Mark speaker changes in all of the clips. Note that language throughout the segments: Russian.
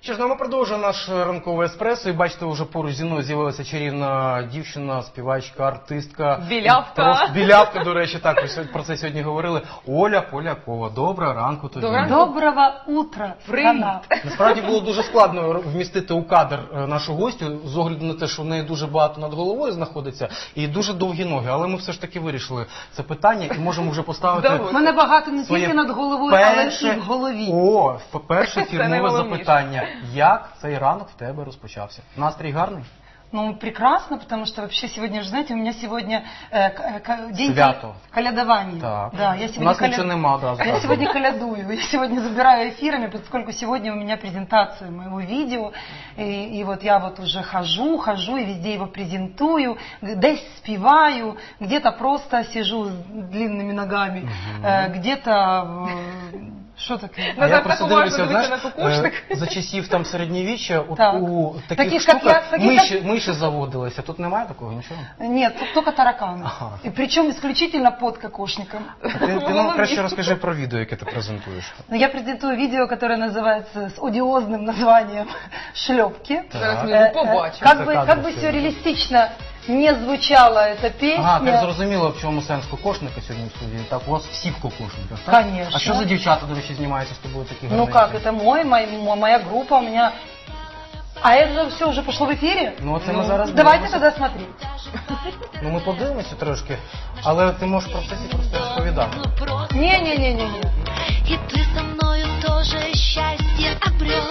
Speaker 1: Що ж, ми продовжуємо наш ранковий еспресо, і бачите, вже поруч зі мною з'явилася чарівна дівчина, співачка, артистка.
Speaker 2: Білявка.
Speaker 1: Білявка, до речі, так, ви про це сьогодні говорили. Оля Полякова. Доброго ранку тобі.
Speaker 3: Доброго утра, страна.
Speaker 1: Насправді було дуже складно вмістити у кадр нашу гостю, з огляду на те, що в неї дуже багато над головою знаходиться і дуже довгі ноги. Але ми все ж таки вирішили це питання і можемо вже поставити...
Speaker 3: У мене багато не тільки над головою, але і в голові.
Speaker 1: О, перше фірмове запитання. Як цей ранок в тебе розпочався? Настрій гарний?
Speaker 3: Ну, прекрасно, потому что вообще сегодня, же, знаете, у меня сегодня день колядования.
Speaker 1: Так.
Speaker 3: Да, я сегодня
Speaker 1: у нас ничего нема, да.
Speaker 3: Я сегодня колядую, я сегодня забираю эфирами, поскольку сегодня у меня презентация моего видео, и вот я вот уже хожу, и везде его презентую, десь спеваю, где-то просто сижу с длинными ногами, где-то... Що таке?
Speaker 1: Я просто дивлюся, знаєш, за часів там середньовіччя у таких штуках миші заводилися. Тут немає такого нічого?
Speaker 3: Ні, тут тільки таракани. І причому исключительно під кокошником.
Speaker 1: Ти нам краще розкажи про відео, яке ти презентуєш.
Speaker 3: Я презентую відео, яке називається з одіозним названням «Шльопки».
Speaker 2: Зараз ми побачимо.
Speaker 3: Как бы все реалістично не звучала эта песня.
Speaker 1: Так зрозуміло, в чому сенс кокошника сьогодні в студії. Так, у вас всі в кокошниках, так?
Speaker 3: Конечно.
Speaker 1: А що за дівчата, до речі, знімаються з тобою такі гарненькі?
Speaker 3: Ну как, это моя группа, у меня... А это все уже пошло в эфире?
Speaker 1: Ну, це ми зараз
Speaker 3: давайте тогда смотреть.
Speaker 1: Ну, ми подивимося трошки, але ти можеш про це просто розповідати.
Speaker 3: Не-не-не-не.
Speaker 4: И ты со мною тоже счастье обрел.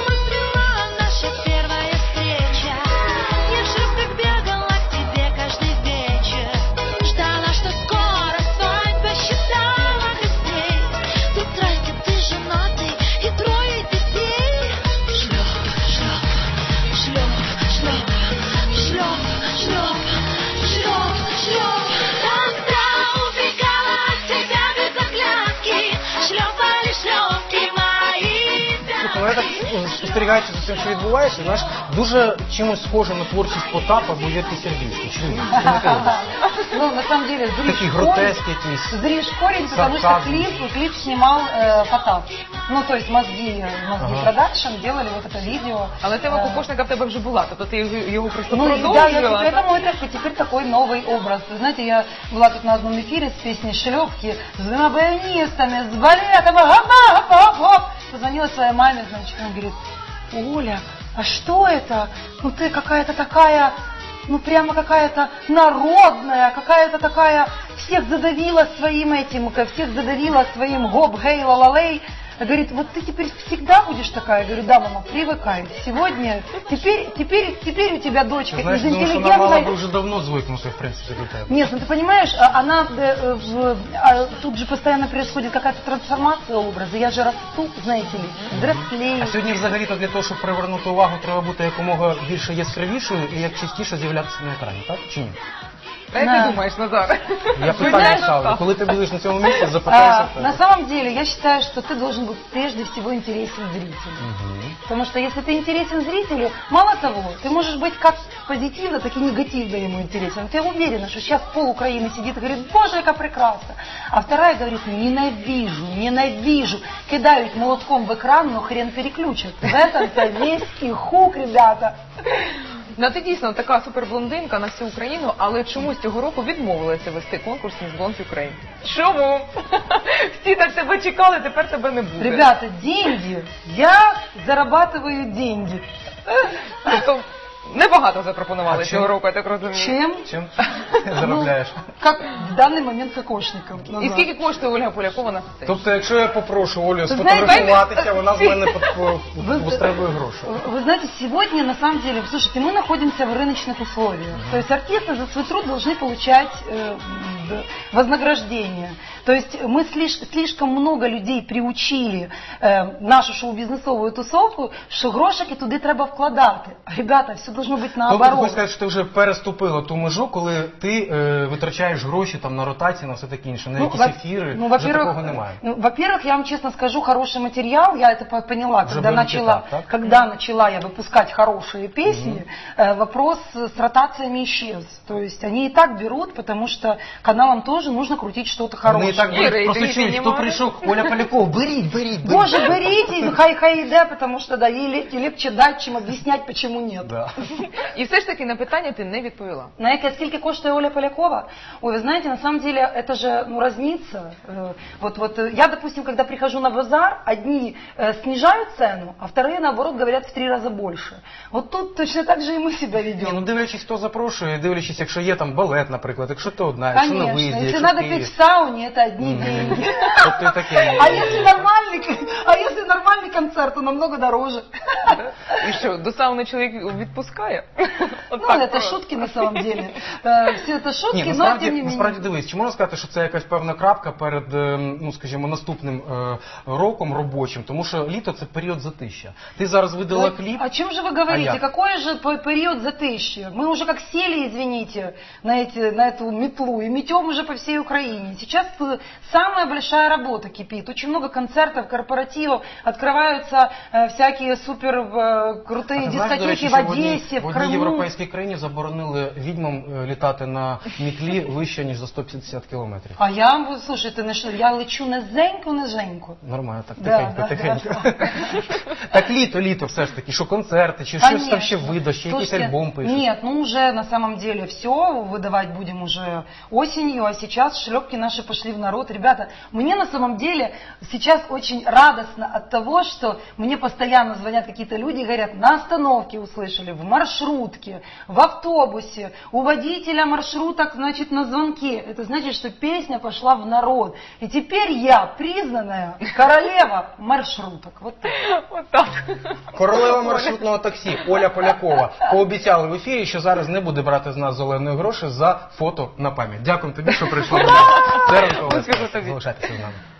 Speaker 4: Наша первая встреча. Я в шерстях бегала к тебе каждый вечер. Ждала, что скоро свадьба, считала костей. Тут здрасте, ты женатый и 3 детей. Шлеп, шлеп, шлеп, шлеп, шлеп, шлеп, шлеп, шлеп. Тогда убегала от тебя без оглядки. Шлепали шлепки мои.
Speaker 1: Ну, я так спостерігаючи за тим, що відбувається, знаєш, дуже чимось схоже на творчість Потапа або Вірки Сердючки. Чому?
Speaker 3: Ну, на самом деле,
Speaker 1: Такий гротеск якийсь.
Speaker 3: Зришь корень, потому что клип снимал Потап. Ну, то есть мозги продакшн делали вот это видео.
Speaker 2: Але тема кокошника в тебе вже була, тобто ти його просто
Speaker 3: Ну,
Speaker 2: продовжувала.
Speaker 3: да, это мой теперь такой новый образ. Вы знаете, я была тут на одном эфире с песней «Шлепки», с 2 баянистами, с балетом, гоп-гоп-гоп. Позвонила своей маме, значит, она говорит: Оля, а что это? Ну ты какая-то такая, ну прямо какая-то народная, какая-то такая, всех задавила своим этим, всех задавила своим гоп-гей-ла-ла-лей. Говорит, вот ты теперь всегда будешь такая? Я говорю, да, мама, привыкай. Сегодня, теперь у тебя дочка
Speaker 1: знаешь,
Speaker 3: из интеллигентной...
Speaker 1: Знаешь, она мала бы уже давно звыкнуться, в принципе, к этому.
Speaker 3: Нет, ну ты понимаешь, она, тут же постоянно происходит какая-то трансформация образа. Я же расту, знаете ли, взрослею.
Speaker 1: А сьогодні взагалі-то для того, щоб привернути увагу, треба бути якомога більше яскравішою і як частіше з'являтися на екрані, так? Чи ні?
Speaker 2: Як ти думаєш, Назар?
Speaker 1: Я питання ставлю. Коли ти будеш на цьому місці, запитайся.
Speaker 3: На самом деле, я считаю, что ты должен быть прежде всего интересен зрителю. Потому что если ты интересен зрителю, мало того, ты можешь быть как позитивно, так и негативно ему интересен. Ты уверена, что сейчас пол Украины сидит и говорит: боже, как прекрасно. А вторая говорит: ненавижу. Кидают молотком в экран, но хрен переключат. В этом-то весь и хук, ребята.
Speaker 2: Ну, ти дійсно така суперблондинка на всю Україну, але чомусь цього року відмовилася вести конкурс «Міс Блонд Україн». Чому? Всі так тебе чекали, тепер тебе не буде.
Speaker 3: Ребята, деньги. Я зарабатываю деньги.
Speaker 2: Тобто небагато запропонували цього року, я так розумію.
Speaker 1: Чим заробляєш?
Speaker 3: Как в даний момент кокошником.
Speaker 2: І скільки коштує Ольга Полякова на сцені?
Speaker 1: Тобто, якщо я попрошу Олю сфотографуватися, вона з мене вистребує гроші.
Speaker 3: Вы знаете, сегодня, на самом деле, слушайте, мы находимся в рыночных условиях. То есть артисты за свой труд должны получать вознаграждение. То есть мы слишком много людей приучили нашу шоу-бізнесову тусовку, що грошики туди треба вкладати. Ребята, все должно бути наоборот.
Speaker 1: Тобто, хочеш сказати, що ти вже переступила ту межу, коли ти витрачаєш гроші там на ротації, на все таке інше, на якісь ефіри, вже такого немає.
Speaker 3: Во-первых, я вам честно скажу, хороший материал, я это поняла, когда начала я выпускать хорошие песни, вопрос с ротациями исчез. То есть они и так берут, потому что каналам тоже нужно крутить что-то
Speaker 1: Вони
Speaker 3: хорошее.
Speaker 1: і так
Speaker 2: Іра, і
Speaker 1: просто
Speaker 2: ти
Speaker 1: чують, хто
Speaker 2: піднімаєш?
Speaker 1: прийшов, Оля Полякова, беріть.
Speaker 3: Боже, берите, хай да, потому что да, ей легче дать, чем объяснять, почему нет.
Speaker 1: Да.
Speaker 2: І все ж таки на питання ти не відповіла.
Speaker 3: Знаете, сколько коштует Оля Полякова? Ой, вы знаете, на самом деле это же разнится. Я, допустим, когда прихожу на базар, одни снижают цену, а вторые, наоборот, говорят в 3 раза больше. Вот тут точно так же и мы себя
Speaker 1: Ні,
Speaker 3: ведем.
Speaker 1: ну дивлячись, хто запрошує, дивлячись, якщо є там балет, наприклад, якщо то одна, якщо на
Speaker 3: Конечно,
Speaker 1: виїзді,
Speaker 3: если
Speaker 1: якщо
Speaker 3: надо
Speaker 1: в Києві.
Speaker 3: петь в сауне, это одни деньги.
Speaker 1: Тобто і таке.
Speaker 3: А если нормальный концерт, то намного дороже.
Speaker 2: І що, до сауни чоловік відпускає? От
Speaker 3: Ну,
Speaker 2: так
Speaker 3: это
Speaker 2: просто.
Speaker 3: шутки на самом деле. Все это шутки,
Speaker 1: Ні,
Speaker 3: но тем не
Speaker 1: насправді
Speaker 3: менее.
Speaker 1: дивись, чи можна сказати, що це якась певна крапка перед, ну скажімо, наступним роком робочим, тому що літо це період затища. Ти зараз видала кліп.
Speaker 3: О чем же вы говорите?
Speaker 1: А я?
Speaker 3: Какой же период затыща? Мы уже как сели, извините, на эту метлу и метем уже по всей Украине. Сейчас самая большая работа кипит. Очень много концертов, корпоративов. Открываются всякие супер крутые
Speaker 1: А ти знаєш, до речі,
Speaker 3: дискотеки в
Speaker 1: що
Speaker 3: Одессе, в
Speaker 1: в одній
Speaker 3: Крыму.
Speaker 1: європейській країні заборонили відьмам літати на мітлі вище, ніж за 150 кілометрів.
Speaker 3: А я, слушай, я лечу низенько.
Speaker 1: Нормально, так
Speaker 3: Да,
Speaker 1: тихенько.
Speaker 3: да.
Speaker 1: Так літо все ж таки, що концерти, чи щось там ще
Speaker 3: Конечно.
Speaker 1: видаш, чи якийсь
Speaker 3: Слушайте,
Speaker 1: альбом пишеш.
Speaker 3: Нет, ну уже на самом деле все, выдавать будем уже осенью, а сейчас шлепки наши пошли в народ. Ребята, мне на самом деле сейчас очень радостно от того, что мне постоянно звонят какие-то люди и говорят, на остановке услышали, в маршрутке, в автобусе, у водителя маршруток, значит, на звонке. Это значит, что песня пошла в народ. И теперь я признанная королева маршруток. Вот так.
Speaker 2: От так.
Speaker 1: Королева маршрутного таксі Оля Полякова пообіцяли в ефірі, що зараз не буде брати з нас зеленої гроші за фото на пам'ять. Дякую тобі, що прийшла до нас. Це ранкове.
Speaker 2: Успіху тобі.
Speaker 1: Залишайтеся з нами.